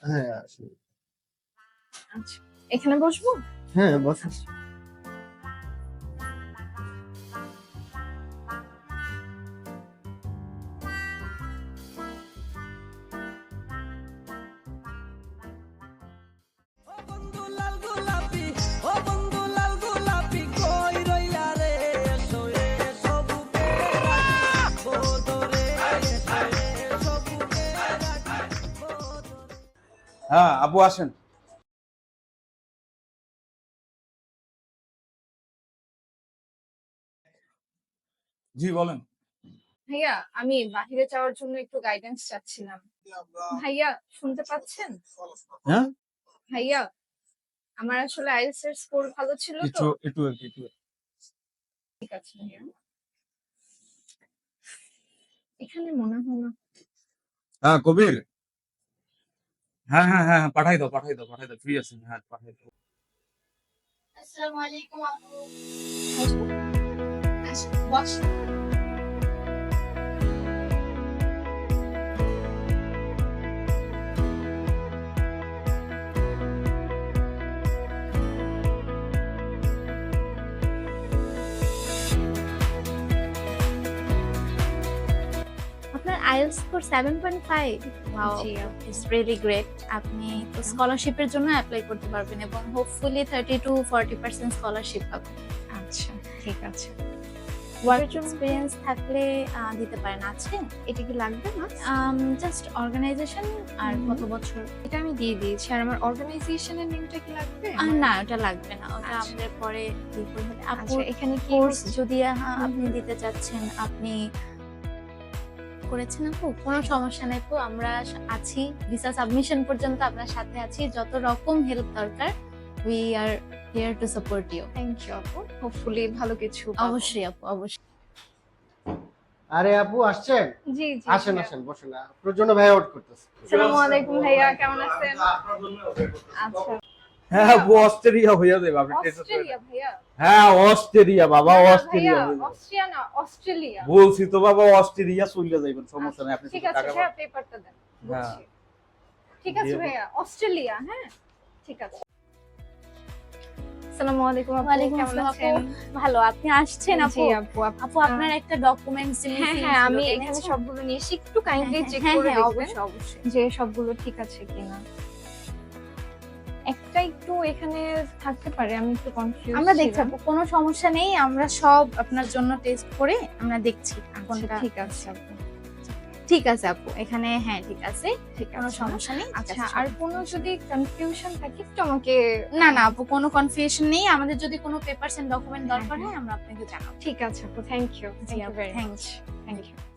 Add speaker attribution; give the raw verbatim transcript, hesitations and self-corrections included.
Speaker 1: হ্যাঁ, আসুন।
Speaker 2: আচ্ছা, এখানে বসবো?
Speaker 1: হ্যাঁ, বসুন।
Speaker 3: হ্যাঁ আবু আসেন। জি বলেন।
Speaker 2: ভাইয়া, আমি বাহিরে যাওয়ার জন্য একটু গাইডেন্স চাচ্ছিলাম। ভাইয়া, শুনতে পাচ্ছেন?
Speaker 3: হ্যাঁ
Speaker 2: ভাইয়া, আমার আসলে আইএলটিএস এর স্কোর ভালো ছিল তো।
Speaker 3: একটু একটু আর কি, একটু
Speaker 2: ঠিক আছে ভাইয়া। এখানে মনে হয় না।
Speaker 3: হ্যাঁ কবির, হ্যাঁ হ্যাঁ হ্যাঁ হ্যাঁ, পাঠাই দাও পাঠাই দাও পাঠাই দাও, ফ্রি আছেন, হ্যাঁ পাঠাই দাও।
Speaker 2: আসসালামু আলাইকুম আপু। আসুন, বসুন।
Speaker 4: আপনার IELTS score seven point five. Wow,
Speaker 2: জি
Speaker 4: ইটস রিয়েলি গ্রেট। আপনি তো স্কলারশিপের জন্য অ্যাপ্লাই করতে পারবেন এবং hopefully thirty to forty percent scholarship পাবেন।
Speaker 2: আচ্ছা, ঠিক আছে।
Speaker 4: ওয়ার্ক এক্সপিরিয়েন্স থাকলে আহ, দিতে পারেন। আছে
Speaker 2: এটা কি লাগবে না?
Speaker 4: জাস্ট অর্গানাইজেশন আর
Speaker 2: হুম।
Speaker 4: কত বছর।
Speaker 2: এটা আমি দিয়ে দিয়েছি। আর আমার অর্গানাইজেশনের নেমটা কি লাগবে?
Speaker 4: আহ, না, ওটা লাগবে না, ওটা
Speaker 2: আচ্ছা।
Speaker 4: আমাদের পরে দিয়ে করবে। আপু
Speaker 2: আচ্ছা, এখানে কি
Speaker 4: কোর্স
Speaker 2: হচ্ছে?
Speaker 4: যদি আহ, আপনি
Speaker 2: হুম।
Speaker 4: দিতে চাচ্ছেন, আপনি করেছেন আপু, কোনো সমস্যা নাই আপু, আমরা আছি ভিসা সাবমিশন পর্যন্ত আপনার সাথে আছি। যত রকম হেল্প দরকার, we are here to support you.
Speaker 2: Thank you আপু। হোপফুলি ভালো কিছু পাবো।
Speaker 4: অবশ্যই আপু, অবশ্যই।
Speaker 1: আরে আপু আসছেন?
Speaker 2: জি, জি।
Speaker 1: আসেন,
Speaker 2: ভাইয়া।
Speaker 1: আসেন, বসেন। আপনার জন্য ভাইয়া ওয়েট করতেছে।
Speaker 2: আসসালামু আলাইকুম ভাইয়া, কেমন আছেন? আচ্ছা,
Speaker 3: হ্যাঁ আবু অস্ট্রেলিয়া হইয়া যাবে, আপনি টেনশন করেন না।
Speaker 2: অস্ট্রেলিয়া ভাইয়া?
Speaker 3: হ্যাঁ অস্ট্রেলিয়া বাবা,
Speaker 2: না, না
Speaker 3: অস্ট্রেলিয়া
Speaker 2: ভাইয়া,
Speaker 3: হয়ে যাবে।
Speaker 2: অস্ট্রিয়া না, অস্ট্রেলিয়া।
Speaker 3: বলছি তো বাবা অস্ট্রেলিয়া চলে যাইবেন, সমস্যা নাই, আপনি
Speaker 2: ঠিক
Speaker 3: শুধু
Speaker 2: আছে
Speaker 3: টাকা
Speaker 2: ভাইয়া, পেপারটা দেন।
Speaker 3: হ্যাঁ।
Speaker 2: বুঝছি। ঠিক আছে
Speaker 3: দিয়ে-
Speaker 2: ভাইয়া, অস্ট্রেলিয়া, হ্যাঁ? ঠিক আছে। আসসালামু আলাইকুম আপু,
Speaker 4: ওয়ালাইকুম
Speaker 2: কেমন
Speaker 4: আসসালাম
Speaker 2: আছেন?
Speaker 4: আপু, ভালো। আপনি আসছেন আপু?
Speaker 2: জি আপু, আপ-
Speaker 4: আপু আপনার একটা ডকুমেন্টস
Speaker 2: হ্যাঁ হ্যাঁ, আমি এখানে সবগুলো নিয়েছি, একটু কাইন্ডলি চেক
Speaker 4: হ্যাঁ
Speaker 2: করে
Speaker 4: হ্যাঁ,
Speaker 2: দেখবেন
Speaker 4: অবশ্যই অবশ্যই।
Speaker 2: যে সবগুলো ঠিক আছে কিনা। একটা একটু এখানে থাকতে পারে, আমি একটু কনফিউজ।
Speaker 4: আমরা দেখছি আপু, কোনো সমস্যা নেই, আমরা সব আপনার জন্য টেস্ট করে আমরা দেখছি কোনটা
Speaker 2: ঠিক আছে আপু।
Speaker 4: ঠিক আছে আপু। এখানে হ্যাঁ ঠিক আছে,
Speaker 2: ঠিক
Speaker 4: কোনো
Speaker 2: আছে।
Speaker 4: সমস্যা নেই। ঠিক
Speaker 2: আচ্ছা,
Speaker 4: আছে,
Speaker 2: আর
Speaker 4: সব-
Speaker 2: কোনো যদি কনফিউশন থাকে একটু আমাকে।
Speaker 4: না না আপু, কোনো কনফিউশন নেই। আমাদের যদি কোনো পেপারস এন্ড ডকুমেন্ট
Speaker 2: হ্যাঁ,
Speaker 4: দরকার
Speaker 2: হ্যাঁ।
Speaker 4: হয় আমরা আপনাকে জানাবো।
Speaker 2: ঠিক আছে আপু, থ্যাংক ইউ।
Speaker 4: জি
Speaker 2: থ্যাংক ইউ
Speaker 4: আপু,
Speaker 2: very
Speaker 4: thanks.
Speaker 2: Much. Thank you.